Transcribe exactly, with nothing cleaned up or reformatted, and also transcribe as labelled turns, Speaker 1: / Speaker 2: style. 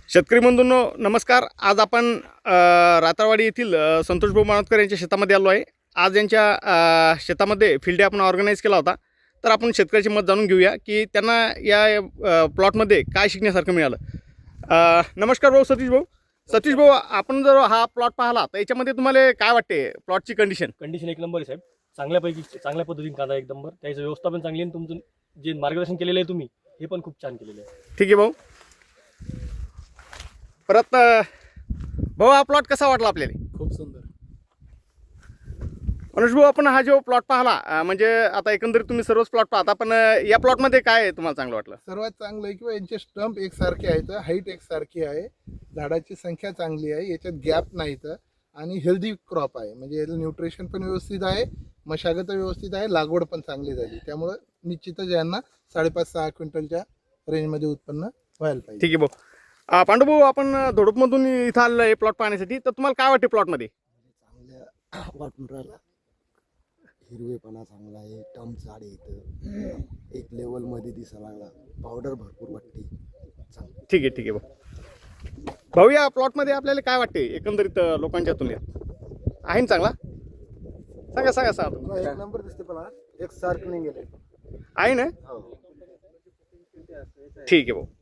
Speaker 1: शेतकरी बंधूंनो नमस्कार. आज आपण अ, रातारवाडी येथील अ, संतोष भाऊ मानोतकर यांच्या शेतामध्ये आलो आहे. आज यांच्या अ, शेतामध्ये फील्ड डे आपण ऑर्गनाईज केला होता. तर आपण शेतकऱ्याचे मत जाणून घेऊया की त्यांना या अ, प्लॉटमध्ये काय शिकण्यासारखं मिळालं. अ, नमस्कार भाऊ सतीश भाऊ. सतीश भाऊ, आपण जर हा प्लॉट पाहिला तर याच्यामध्ये तुम्हाला काय वाटते प्लॉटची कंडिशन?
Speaker 2: कंडिशन एक नंबर आहे साहेब. चांगल्यापैकी चांगल्या पद्धतीने कांदा एक नंबर, त्याचं व्यवस्था पण चांगली आहे. तुमचं जे मार्गदर्शन केलेलं आहे तुम्ही हे पण खूप छान केलेलं आहे.
Speaker 1: ठीक आहे भाऊ. परत अ, भाऊ हा प्लॉट कसा वाटला आपल्याला?
Speaker 3: खूप सुंदर.
Speaker 1: अनुज भाऊ, आपण हा जो प्लॉट पाहिला अ, म्हणजे आता एकंदरीत तुम्ही सर्वच प्लॉट पाहता, पण अ, या प्लॉटमध्ये काय आहे तुम्हाला चांगलं वाटलं?
Speaker 3: सर्वात चांगलं आहे किंवा यांचे स्टंप एकसारखे आहेत, हाईट एकसारखी आहे, झाडाची संख्या चांगली आहे, याच्यात गॅप नाहीत आणि हेल्दी क्रॉप आहे. म्हणजे याचं न्यूट्रिशन पण व्यवस्थित आहे, मशागत व्यवस्थित आहे, लागवड पण चांगली झाली. त्यामुळं निश्चितच यांना साडेपाच सहा क्विंटलच्या रेंजमध्ये उत्पन्न व्हायला पाहिजे.
Speaker 1: ठीक आहे भाऊ. अ, पांडू भाऊ, आपण धोडपमधून इथं आलेलं आहे प्लॉट पाहण्यासाठी, तर तुम्हाला काय वाटते प्लॉटमध्ये?
Speaker 4: चांगल्या वाटून राहिला. हिरवेपणा चांगला आहे, टम झाड आहे इथं, एक लेवलमध्ये दिसायला लागला, पावडर भरपूर वाटते. चांगलं.
Speaker 1: ठीक आहे ठीक आहे भाऊ. भाऊ, या प्लॉटमध्ये आपल्याला काय वाटते एकंदरीत अ, लोकांच्या तुलनेत आहे ना चांगला? सांगा सांगा सांगा.
Speaker 3: एक नंबर दिसते पण एक सारखं नाही गेले
Speaker 1: आहे ना? ठीक आहे भाऊ.